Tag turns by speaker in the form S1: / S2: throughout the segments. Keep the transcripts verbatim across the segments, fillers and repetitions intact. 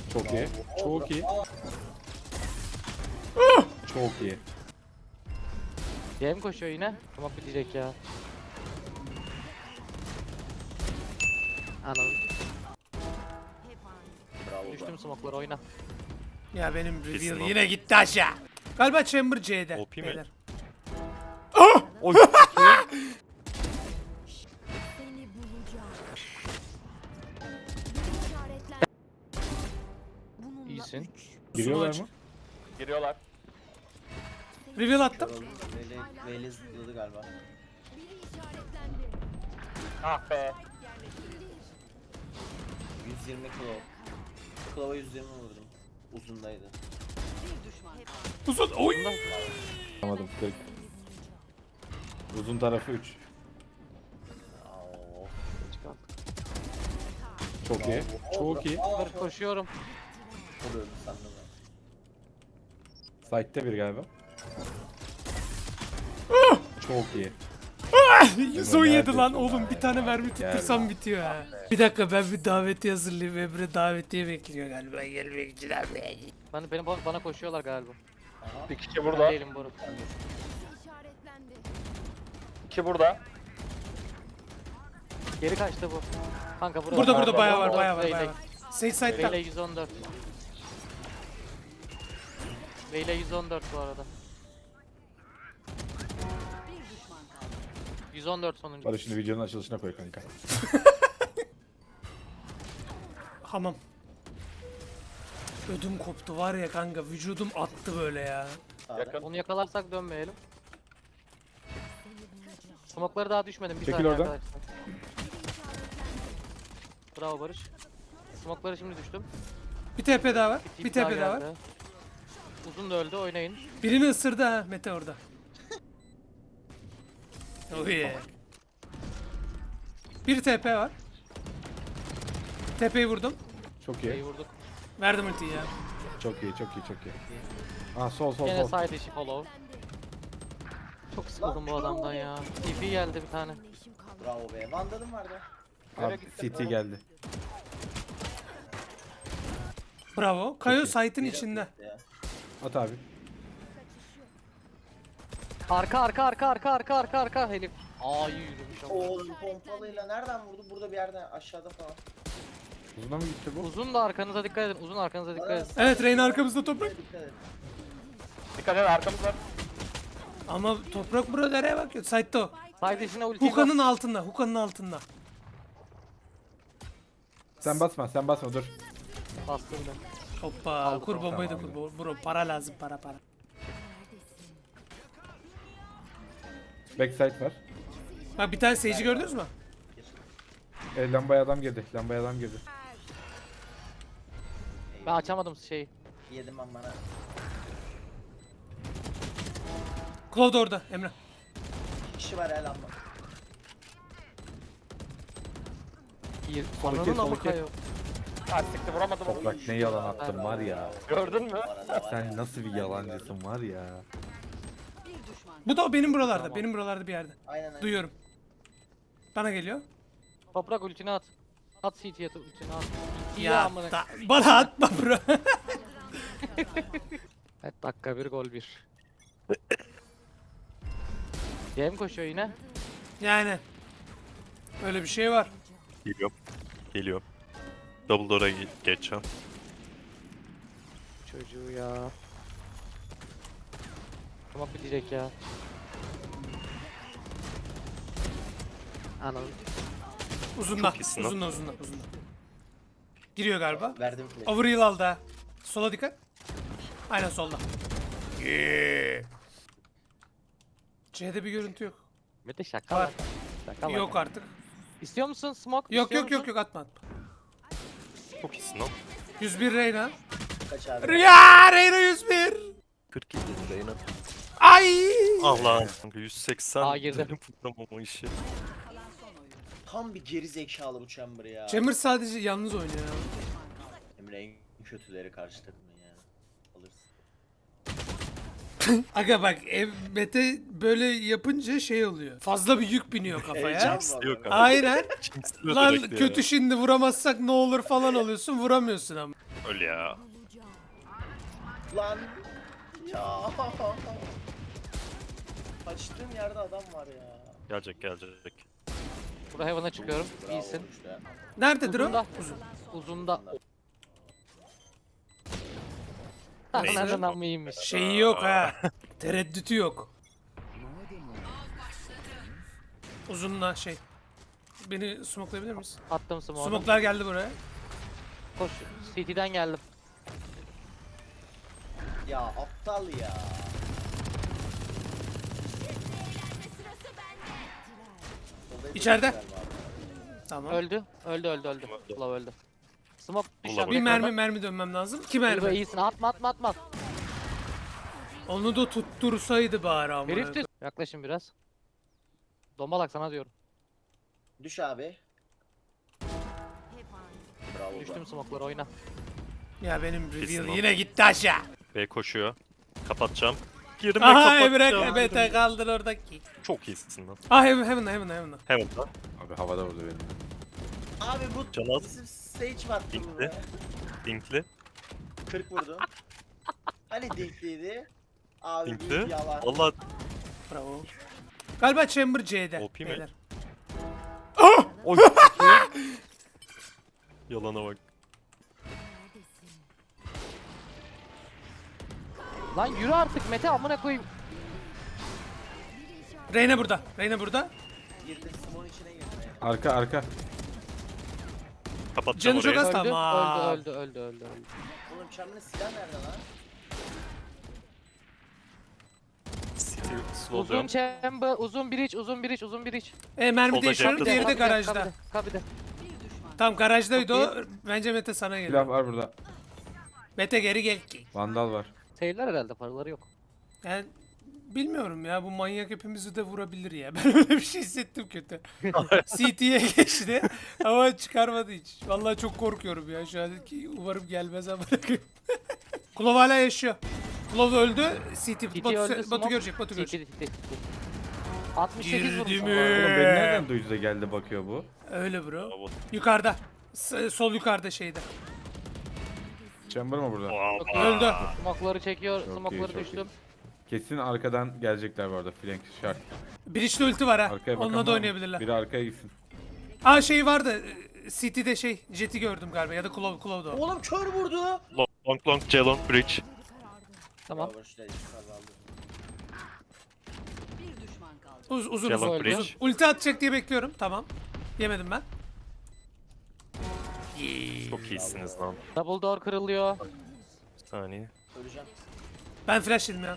S1: Çok iyi. Çok iyi. Çok iyi.
S2: Diye mi koşuyor yine? Tamam bitecek ya. Anam.
S3: Bravo.
S2: Düştüm smoke'lara oyna.
S4: Ya benim reveal
S5: Kesin o.
S4: yine gitti aşağı. Galiba Chamber C'de.
S5: O P mi?
S4: beyler.
S5: Oy.
S6: Seni bulacağım. Bir işaretler. Bununla
S2: İyisin.
S6: üç.
S1: Giriyorlar
S4: Sumo
S1: mı?
S3: Giriyorlar.
S4: Reveal attım.
S3: Veli, Veli zıpladı galiba.
S6: Biri işaretlendi.
S3: Ah be. yüz yirmi kilo. Klova yüz yirmi vurdum. Uzundaydı.
S4: Uzun. Oy.
S1: Anlamadım. kırk. Uzun tarafı üç.
S3: Oo.
S1: Çok iyi. Çok iyi.
S2: Dur koşuyorum.
S3: Vuruyorum sandım ben.
S1: Site'te bir galiba. Çok iyi.
S4: yüz on yedi lan
S1: Neredesin?
S4: oğlum, bir tane mermi tuttursam bitiyor ha. Bir dakika, ben bir davetiye hazırlayayım. Emre davetiye bekliyor galiba, gelmek için abi.
S2: Bana, beni, bana koşuyorlar galiba.
S3: Aha.
S7: Bir kişi
S2: Ben
S7: burada.
S2: değilim Boruk.
S6: İşaretlendi.
S7: İki burada.
S2: Geri kaçtı bu. Kanka burada.
S4: Burada burada
S7: Burada,
S4: bayağı var,
S2: burada.
S4: bayağı var,
S2: Beyle.
S4: bayağı var. Sage side'da.
S2: Beyle yüz on dört. Beyle yüz on dört bu arada. yüz on dört sonuncu.
S1: Hadi şimdi videonun açılışına koy kanka.
S4: Hamam. Ödüm koptu var ya kanka, vücudum attı böyle ya.
S3: Sağda.
S7: Yakın.
S2: Onu yakalarsak dönmeyelim. Smoke'ları daha düşmedim. Bir
S1: Çekil
S2: saniye
S1: oradan.
S2: arkadaşlar. Bravo Barış. Smoke'ları şimdi düştüm.
S4: Bir T P daha var,
S2: Tip
S4: bir T P daha var.
S2: geldi. Uzun da öldü, oynayın.
S4: Birini ısırdı ha Mete orada. Oh yeah. Bir T P var. T P'yi vurdum.
S1: Çok
S2: İyi
S1: iyi.
S2: vurduk.
S4: Verdim ultiyi ya.
S1: Çok iyi. Çok iyi. Çok iyi. Aa sol sol
S2: Gene
S1: sol.
S2: side işi follow. Çok sıkıldım bu adamdan ya. T P geldi bir tane.
S6: İşim kaldı.
S3: Bravo be. Vandalım vardı.
S1: Abi C T geldi.
S4: Bravo. Kayo
S1: Çok iyi.
S4: site'in içinde.
S3: Ya.
S1: At abi.
S2: Arka arka arka arka arka arka arka Elif. Aa iyi yürümüş ama.
S3: Oğlum pompalıyla nereden vurdu? Burada bir yerden aşağıda falan.
S1: Uzuna mı gitti bu?
S2: Uzun da arkanıza dikkat edin. Uzun arkanıza dikkat edin.
S4: Evet, Reyna arkamızda toprak.
S3: Dikkat et.
S7: Dikkat et, arkamız var.
S4: Ama toprak burada nereye bakıyor? Site'de o.
S2: Side işine ulti bas.
S4: Huka'nın altında, Huka'nın altında.
S1: Sen basma. Sen basma dur.
S2: Bastım ben.
S4: Hoppa,
S2: Aldım,
S4: kur bombayı da
S1: tamam.
S4: kur. Bro, para lazım, para para.
S1: Backside var.
S4: Bak bir tane Sage'i gördünüz mü?
S1: E, lambaya adam girdi. Lambaya adam girdi.
S2: Ben açamadım şeyi.
S3: Yedim ben bana.
S4: Cloud orada, Emre.
S3: İki kişi var el amma.
S2: İyi.
S1: Son iki,
S2: Ananın
S1: son
S2: amı
S1: iki.
S2: kayıyor.
S7: Ha siktir, vuramadım onu.
S1: Toprak ne yalan attın var ya.
S7: Gördün mü?
S1: Sen nasıl bir yalancısın var ya.
S4: Bu da o benim buralarda,
S2: Tamam.
S4: benim buralarda bir yerde.
S3: Aynen aynen.
S4: Duyuyorum. Bana geliyor.
S2: Toprak ultini at. At C T'ye ultini at. Ya
S4: Ya
S2: amına.
S4: da, bana atma bro.
S2: Evet dakika bir gol bir. Diye mi koşuyor yine?
S4: Yani. Öyle bir şey var.
S5: Geliyorum. Geliyorum. Double door'a ge- geçeceğim.
S2: Çocuğu ya. Tamam bitecek ya. Anam.
S4: Uzunda,
S5: Çok iyisin lan.
S4: uzunda, uzunda, uzunda. Giriyor galiba.
S3: Verdim flash.
S4: Overheal aldı ha. Sola dikkat. Aynen solda. C'de bir görüntü yok.
S2: Mete şaka
S4: Var.
S2: var. Şaka
S4: Yok
S2: var.
S4: artık.
S2: İstiyor musun smoke?
S4: Yok
S2: İstiyor
S4: yok yok
S2: musun?
S4: yok, atma atma.
S5: Çok iyisin lan.
S4: yüz bir Reyna.
S3: Kaç abi?
S4: Ya Reyna yüz bir.
S5: kırk yedi Reyna.
S4: Ay.
S5: Ah lan. yüz seksen.
S2: Aa, girdim.
S5: Dönüp vuramam o işi.
S3: Tam bir geri zekalı bu Chamber ya.
S4: Chamber sadece yalnız oynuyor ya.
S3: Emre en kötüleri karşı takımın ya. Alırsın.
S4: Aga bak, ev Mete böyle yapınca şey oluyor. Fazla bir yük biniyor kafaya.
S3: Heyecan.
S5: Yok abi.
S4: Aynen.
S5: Jinxliyor
S4: Lan
S5: direkt ya.
S4: kötü şimdi vuramazsak ne olur falan oluyorsun, vuramıyorsun ama.
S5: Öl ya.
S6: bulacağım.
S3: Lan. Ya. Kaçtığım yerde adam var ya.
S5: Gelecek gelecek.
S2: Burada Heaven'a çıkıyorum.
S3: Bravo
S2: İyisin.
S3: işte.
S4: Nerededir o?
S2: Uzunda.
S4: Uzun.
S2: Uzunda.
S5: Neyse.
S2: Nereden mı iyiymiş?
S4: Şeyi yok ha. Tereddütü yok. Uzunla şey. Beni smoklayabilir misin?
S2: Attım smoke'u.
S4: Smoklar geldi buraya.
S2: Koş. C T'den geldim.
S3: Ya aptal ya. Orada
S4: İçeride.
S3: bir şeyler var.
S4: Tamam.
S2: Öldü. Öldü öldü öldü. Love öldü. Smoke
S5: Ulan
S2: düşen
S5: bu-
S4: Bir mermi mermi dönmem lazım. İki
S2: Mermi.
S4: mermi.
S2: iyisin. Atma atma atma.
S4: Onu da tuttursaydı bari ama.
S2: Herif düz. Yaklaşın biraz. Dombalak sana diyorum.
S3: Düş abi.
S6: Hep aynı.
S3: Bravo.
S2: Düştüm
S3: Düştüm.
S2: smoke'lara oyna.
S4: Ya benim
S5: Kesin
S4: reveal
S5: o.
S4: yine gitti aşağı.
S5: B koşuyor. Kapatacağım. Girme
S4: Aha
S5: kapatacağım.
S4: Emre bete kaldır oradaki.
S5: Çok iyisin lan.
S4: Ah heaven heaven heaven heaven.
S5: Hemen lan.
S1: Abi havada vurdu benim.
S3: Abi bu
S5: Canaz.
S3: bizim stage mi attı bu
S5: Dinkli.
S3: be?
S5: Dinkli.
S3: kırk vurdum. Hani dinkliydi? Abi
S5: Dinkli.
S3: büyük yalan.
S5: Valla
S4: Bravo. Galiba Chamber C'de.
S5: O P mi?
S4: beyler.
S5: oy. Yalana bak.
S6: Neredesin?
S2: Lan yürü artık Mete amına koyayım.
S6: Biri işaret.
S4: Reyna burada. Reyna burada.
S3: Girdim Simon içine girdim.
S1: Arka arka.
S5: Kapatacağım
S4: Canı çok
S5: orayı.
S4: az.
S2: Öldü,
S4: Tamam.
S2: öldü öldü öldü öldü öldü.
S3: Oğlum Chamberlain silah nerede lan?
S5: City
S2: Uzun
S5: slowluyorum.
S2: chamber, uzun bridge, uzun bridge, uzun bridge.
S4: E mermi
S5: Solda
S4: değişiyorum.
S5: cepte.
S4: Diğeri de
S2: Kabide,
S4: garajda.
S2: kabide, kabide.
S4: Tam garajdaydı
S2: Çok
S4: o. Bence Mete sana
S1: Silah
S4: geliyor.
S1: var burada.
S4: Mete geri gel ki.
S1: Vandal var.
S2: Seyirler herhalde paraları yok.
S4: Yani bilmiyorum ya bu manyak hepimizi de vurabilir ya. Ben öyle bir şey hissettim kötü. C T'ye geçti ama çıkarmadı hiç. Vallahi çok korkuyorum ya şu an ki umarım gelmez ama bırakayım. Klov hala yaşıyor. Klov öldü. C T,
S2: C T
S4: Batu,
S2: öldü,
S4: Batu
S2: smoke.
S4: görecek, Batu
S2: C T,
S4: görecek.
S2: C T, C T. altmış sekiz
S4: Girdi
S2: vurmuş.
S4: mi?
S2: ama.
S1: Oğlum beni nereden duydu da geldi bakıyor bu.
S4: Öyle bro.
S5: Bravo.
S4: Yukarıda. S- sol yukarıda şeyde.
S1: Chamber mı burada?
S5: Wow.
S4: Öldü.
S2: Smoke'ları çekiyor,
S1: Çok iyi,
S2: smoke'ları
S1: çok
S2: düştüm.
S1: Kesin arkadan gelecekler bu arada. Flank şart.
S4: Breach'te ulti var ha.
S1: Arkaya bakan
S4: Onunla
S1: var
S4: da
S1: mı?
S4: oynayabilirler.
S1: Biri arkaya gitsin.
S4: Aa şey vardı. C T'de şey. Jet'i gördüm galiba ya da Klov, Klov'da o.
S3: Oğlum kör vurdu.
S5: Long long long C long bridge.
S2: Tamam.
S3: Bravo işte kazandı.
S4: Uz, uzun
S5: Shallow
S4: uzun.
S5: bridge.
S4: uzun. Ulti atacak diye bekliyorum. Tamam. Yemedim ben.
S5: Çok iyisiniz lan.
S2: Double door kırılıyor.
S5: Bir saniye.
S3: Öleceğim.
S4: Ben flash yedim ya.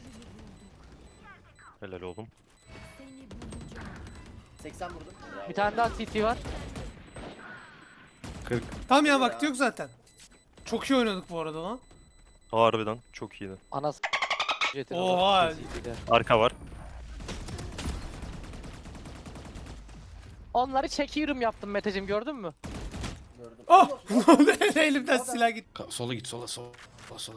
S5: Helal oğlum.
S6: Seni bulacağım.
S3: seksen vurdum. Bravo.
S2: Bir tane daha C T var.
S1: kırk.
S4: Tamam ya vakti yok zaten. Çok iyi oynadık bu arada lan.
S5: Harbiden çok iyiydi.
S2: Anası. Jet'in
S4: Oha.
S2: odası C T'de.
S5: Arka var.
S2: Onları çekiyorum yaptım Meteciğim gördün mü?
S3: Gördüm.
S4: Oh! Ne oldu? Elimden silah gitti.
S1: Sola git sola sola sola.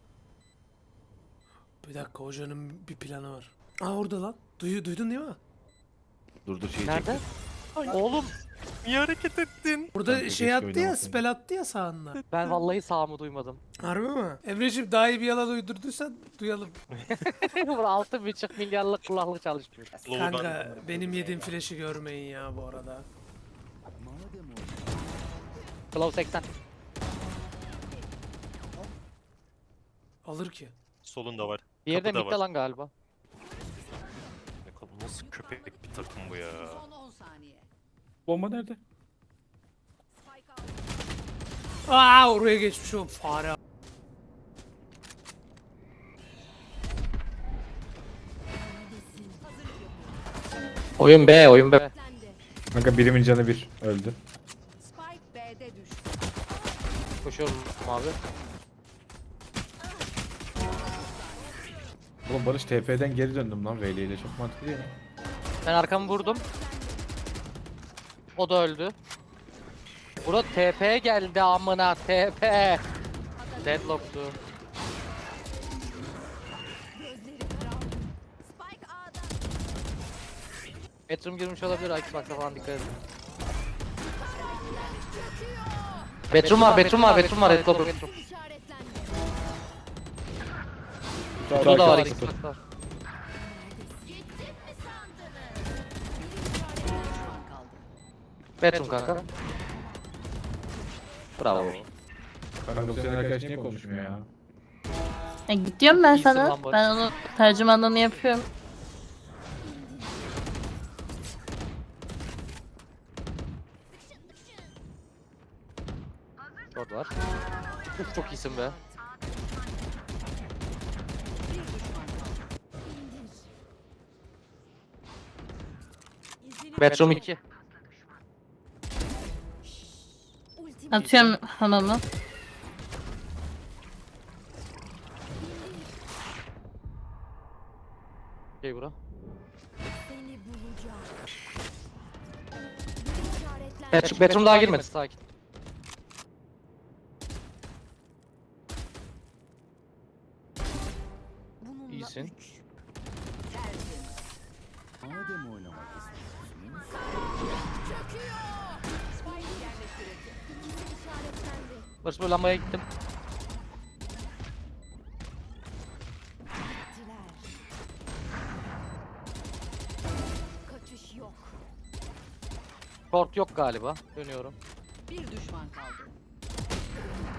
S4: Bir dakika hocanın bir planı var. Aa orada lan. Duyu, duydun değil mi?
S1: Dur dur şeyi
S2: Nerede?
S1: çektim.
S2: Oğlum
S5: Niye hareket ettin?
S4: Burada
S1: Kanka,
S4: şey
S1: keşke
S4: attı ya,
S1: oynamasaydım.
S4: spell attı ya sağında.
S2: ben vallahi sağımı duymadım.
S4: Harbi mi? Emreciğim daha iyi bir yalan uydurduysan duyalım.
S2: Burada altı buçuk milyarlık kulaklık çalışmıyor.
S5: Low'dan
S4: Kanka benim yediğim flash'ı görmeyin ya bu arada.
S2: Claw seksen.
S4: Alır ki.
S5: solunda var.
S2: Diğeri de
S5: Kapıda
S2: midde
S5: var.
S2: lan galiba.
S5: Ne kadar- Nasıl köpek bir takım bu ya?
S6: Son on saniye.
S1: Bomba nerede?
S6: Spike aldı.
S4: Aa oraya geçmiş o fare.
S2: Oyun B, oyun B.
S6: Lendi.
S1: Kanka birimin canı bir. Öldü.
S6: Spike B'de düştü.
S2: Koşuyorum abi.
S1: Oğlum Barış T P'den geri döndüm lan V L ile çok mantıklı değil mi?
S2: Ben arkamı vurdum. O da öldü. Bura T P geldi amına T P. Deadlock'tu.
S6: Gözleri karardı. Spike A'da.
S2: Metrum girmiş olabilir Xbox'a falan dikkat edin. Bedroom var, bedroom var, bedroom var. Red Glove bedroom.
S6: İşaretlendi.
S2: Kutu da var,
S1: Kutu.
S2: Xbox var.
S6: Gittim mi sandınız? Biri işaretlendi. Düşman kaldı.
S2: Bedroom kanka. Bravo.
S1: Kanka bu senin arkadaş niye konuşmuyor ya?
S8: E, gidiyorum ben
S2: İyisin
S8: sana.
S2: lan Barış.
S8: Ben onu tercümanlığını yapıyorum.
S2: Short var. Uf çok iyisin be.
S6: Bir düşman kaldı.
S2: Bedroom iki.
S6: Ultim
S8: Atıyorum hamamı.
S2: Okey bura.
S6: seni bulacak. Biri işaretlendi.
S2: Bedroom, bedroom daha girmedi, sakin.
S6: Bununla
S2: İyisin.
S6: üç. Tertemiz.
S9: Madem oynamak istiyorsunuz.
S6: Çöküyor. Spike yerleştirildi. İkisi işaretlendi.
S2: Barış böyle lambaya gittim.
S6: Diler. Kaçış yok.
S2: Short yok galiba. Dönüyorum.
S6: Bir düşman kaldı.